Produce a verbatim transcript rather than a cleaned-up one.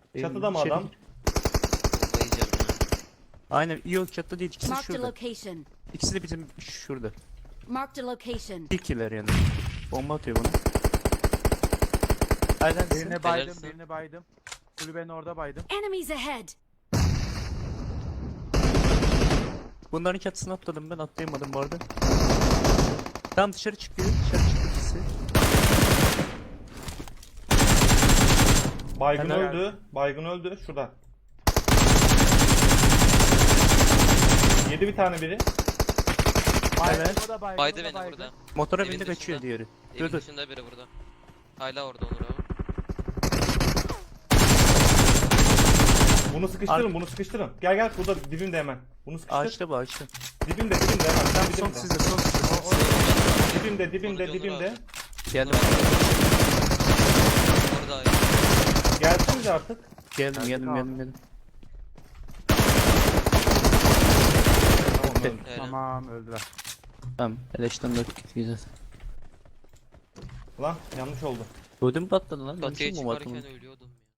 Çatıda mı içeri adam? gir. Bomba yiyeceğim ya. Aynen, yok çatıda değil, ikisi de Marked a şurada. location. İkisi de bizim şurada. Marked a location. İkiler yani. Bomba atıyor bana. Aynen. Birine baydım, Helalsin. birini baydım. Kulübenin orada baydım. Enemies ahead. Bunların çatısına atladım, ben atlayamadım bu arada. Tam dışarı çıkıyor. Dışarı çıktı ikisi. Baygın Helal. öldü. Baygın öldü. Şurada. Yedi bir tane biri. Baydım, Evet. o da baydım, Baydı o da beni baydım. burada. Motora Evin bindi, dışında. kaçıyor diğeri. Evin Dur dur. dışında biri burada. Hala orada Onur abi. Bunu sıkıştırın, Ar- bunu sıkıştırın. Gel gel, burada dibimde hemen. Bunu sıkıştır. Ağaçta bu ağaçta. Dibimde, dibimde hemen. Sen Son dibimde. sizde, son sizde. Dibimde, dibimde, Sonucu Onur dibimde. abi. Geldim. Orada ay. Gelsinize artık. Geldim, geldim, abi. geldim, geldim. Tamam, Bitti. öldü. Helal. Tamam, öldüler. Tamam. Eleşten dört güzel. Lan yanlış oldu. Ödüm patladı lan. Batıya Dönüşüm mü çıkarken batı? ölüyordum.